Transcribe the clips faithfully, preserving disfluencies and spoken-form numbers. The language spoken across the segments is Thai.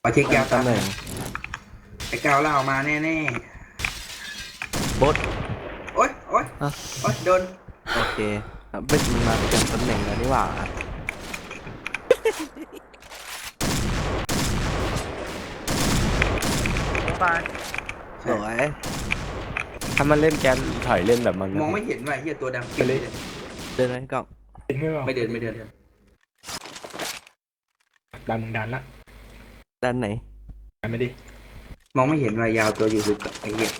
ขอเช็คยาวตำตำแหน่งไอ้กาวเล่ามาแน่บดๆโอ๊ยโอ๊ยอ่ะโอ๊ยโดนโอเคครับเบ็ดมันมาประจำตำแหน่งแล้วนี่หว่าตายสวยถ้ามันเล่นแกนถอยเล่นแบบมันมองไม่เห็นว่ะเฮียตัวดำไปเลยเดินไหมกล้องเห็นไหมวะไม่เดินไม่เดินดันมึงดันละด้านไหนดันไม่ดิมองไม่เห็นว่ายาวตัวอยู่ลึกอะไอ้เหี้ย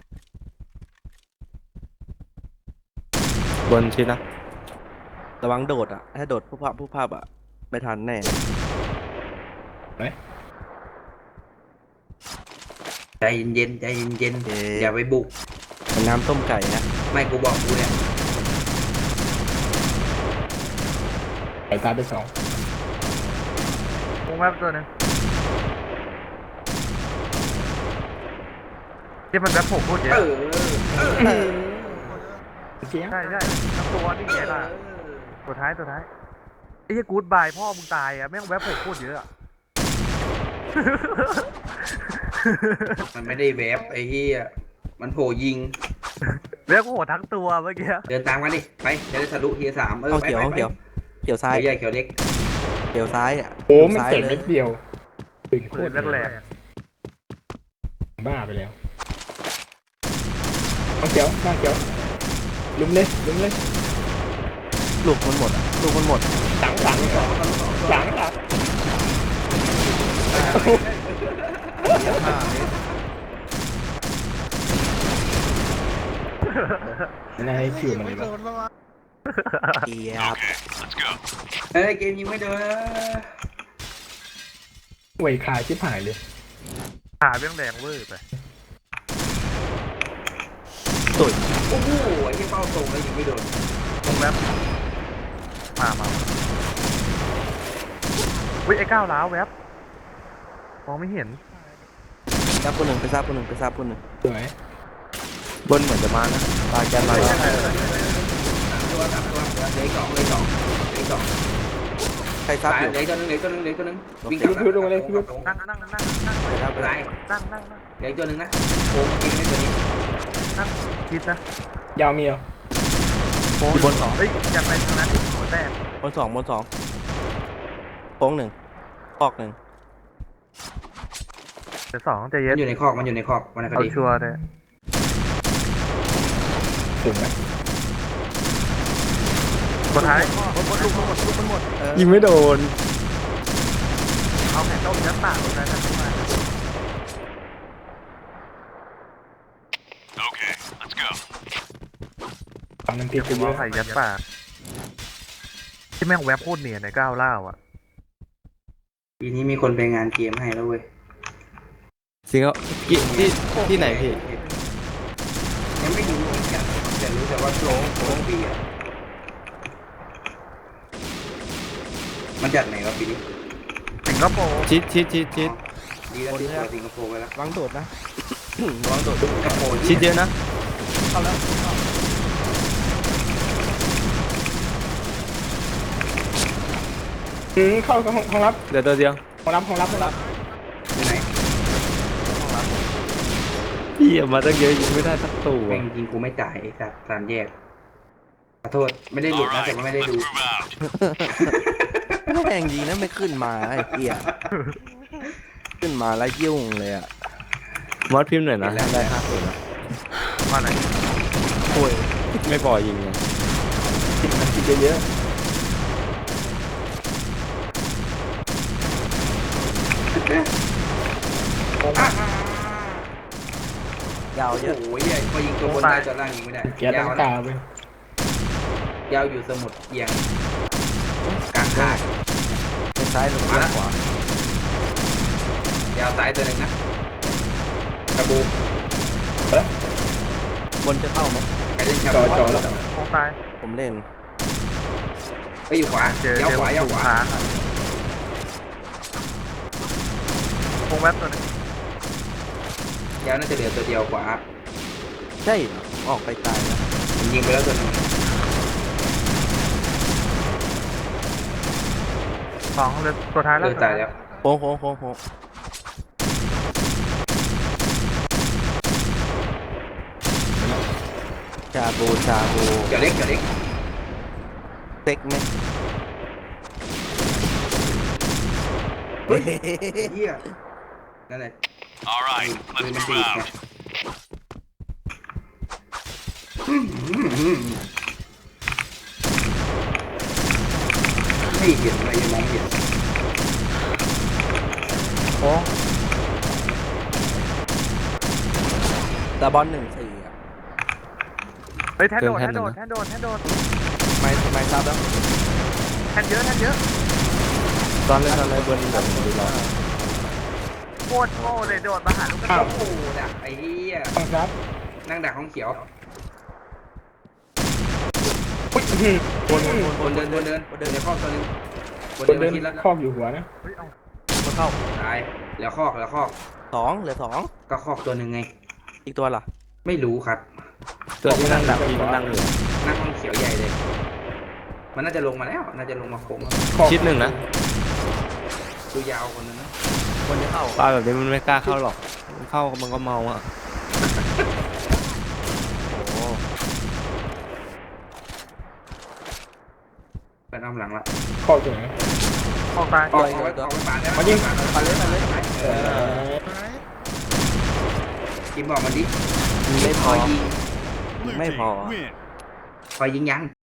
บนชิดนะระวังโดดอ่ะถ้าโดดผู้ภาพผู้ภาพอ่ะไม่ทันแน่ใจเย็นๆใจเย็นเอ๊ะๆอย่าไปบุกเป็นน้ำต้มไก่นะไม่กูบอกกูเนี่ยไก่ตายไปสองวงแวบตัวหนึงที่มันแวบผมพูดเยเออะอเออเออเสียงใช่ใช่ทั้งตัวนี่ไงล่ะตัวท้ายตัวท้ายไอ้เหี้ยกู๊ดบายพ่อมึงตายอ่ะแม่งแวบผมพูดเยอะอะมันไม่ได้แวบไอ้เหี้ยมันโผล่ยิงแวบกูโหดทั้งตัวเมื่อกี้เดินตามกันดิไปจะได้ทะลุเทียร์สามเออห้องไปเขียวไปห้องไปเขียวเขียวซ้ายเขียวใหญ่เขียวเล็กเขียวซ้ายอ่ะโอ้มันซ้ายเจ็บเลเม็ยดเดียวตึงโคปืตนรแรกบ้าไปแล้วเอาเขียวหน้าเขียวลุมเลยลุมเลยลูกมันหมดอ่ะลูกมันหมดหลังหลังหลังหลังหลังไม่น่าให้คิวมันเลยวะเกียบเฮ้ยเกมยิงไม่โดนเวยคลายชิบหายเลยๆขาเบี้ยงแดงเวอร์ไปตุ่ยโอ้โหไอ้ที่เป้าตรงแล้วยิงไม่โดนวงแวบมามาวิไอ้ก้าวล้าวแวบมองไม่เห็นซับคนหนึ่งไปซับคนหนึ่งไปซับคนหนึ่งสวยบนเหมือนจะมานะปลาแกนมาตัวสามตัวเหลือสองเหลือสองเหลือสองใครซับตายอยู่เหลือตัวนึงเหลือตัวนึงเหลือตัวนึงวิ่งพิวพิวลงมาเลยพิวนั่งนั่งนั่งนั่งนั่งไปซับไปตาซับยนั่งนั่งนั่งเหลือตัวนึงนะโค้งยิงได้ตัวนี้นั่งคิดนะยาวเมียวโค้งอยู่บนสองเฮ้ยอยากไปทางนั้นหัวแตกบนสองบนสองโค้งหนึ่งปอกหนึ่งเดี๋ยวสองใจเย็มัน นอยู่ในคอกมันอยู่ในคอกมันคเอาดีชัวร์เลยถึงไหมตัวท้ายบนบนลูกมันหมดลูกมันหมดเออยิงไม่โดนเอาแผ่นต้มน้ำตาลลงไปนะขึ้นมาฝั่งนั้นติดผกันมเยว่าอะไข่ยัดปากที่แม่งแวบพูดเนียนในก้าวเล่าอ่ะทีนี้มีคนไปงานเกมให้แล้วเว้ยจริงเหรอที่ที่ที่ไหนพี่ยังไม่รู้เหมือนกันแต่รู้แต่ว่าโค้งโค้งปีอ่ะมันจัดไหนวะปีนี้สิงคโปร์ชิดชิดชิดชิดดีแล้วที่ตัวสิงคโปร์ไปแล้ววางโดดนะ วางโดดสิงคโปร์ชิดเยอะนะเข้าแล้วอืมเข้าห้องห้องรับเดี๋ยวตัวเดียวห้องรับห้องรับห้องรับไปไหนพี่เอามาตั้งเยอะยิงไม่ได้สักตัวแม่งยิงกูไม่จ่ายไอ้สัตว์สามแยกขอโทษไม่ได้หลุดนะแต่ว่าไม่ได้ดูแม่งยิงนะไม่ขึ้นมาไอ้เหี้ยขึ้นมาแล้วยุ่งเลยอ่ะมอสพิมพ์หน่อยนะได้ห้าตัวนะมาไหนโอ้ยไม่พอยิงเลยติดมันติดเยอะยาวเยอะโอ้ยใหญ่พอยิงตัวบนได้ตัวล่างยิงไม่ได้ๆแกตั้ยาง วกานะไปยาวอยู่สมุดเอียงกลางคาดไปซ้ายหรือไปขวายาวซ้ายตัวหนึ่งนะกระบูบนจะเข้าไหมไปเล่นชาจอบูจอแล้วโค้งตายผมเล่นไปอยู่ขวาเจอยาวเจอขวายาวถูขกวาค้างอะโค้งแวบตัวหนึงยาวน่าจะเหลือตัวเดียวขวาใช่เหรอผมออกไปตายแล้วผมยิงไปแล้วตัวหนึงสองเลยตัวท้ายเลแล้วยตายแล้วโค้งโค้งโค้งโค้งชาบูชาบูเดี๋ยวเล็กเดี๋ยวเล็กเต็กไหมเฮ้ยเฮียนั่นแหละ All right, ปืน let's มัน move ดีดไง out. อืมอืมอืมไม่เห็นอะไรยังมองไม่เห็นโอ้ตาบอลหนึ่งสี่อ่ะเฮ้ยแทนโดดแทนโดดแทนโดดแทนโดดไม่ไม่ทราบแล้วแทนเยอะแทนเยอะตอนเล่นอะไรบนแบบดูรอโคตรโง่เลยโดดมาหาลูกกระโอ้สุนโหดักไอ้เหี้ยต้องรับนั่งดักห้องเขียวอุ้ยอื้อหือวนวนวนบนเดินบนเดินบนเดินในคอกตัวหนึงบนคนเดิเดินนคิดแล้วครอบอยู่หัวนะเฮ้ยเอามาเข้าตายแล้วคอกแล้วคอกสองเหลือสองก็คอกตัวหนึ่งไงอีกตัวล่ะไม่รู้ครับตัวที่นั่งดับพี่มันนั่งอยู่นั่งห้องเขียวใหญ่เลย มันน่าจะลงมาแล้ว น่าจะลงมาโค้งครอบชิดหนึ่งนะดูยาวคนนึงนะคนจะเข้าปลาแบบนี้มันไม่กล้าเข้าหรอกมันเข้ามันก็เมาอ่ะโอ้เป็นอ้อมหลังละครอบอยู่ไหนออกตายออกออกไปออกไปปาดได้ไหมายิงปาดเลยปาดเลยเอเอออกินบอกมันดิไม่พคออยยิง Blue Mấy team mò. win. คอยยิงยัง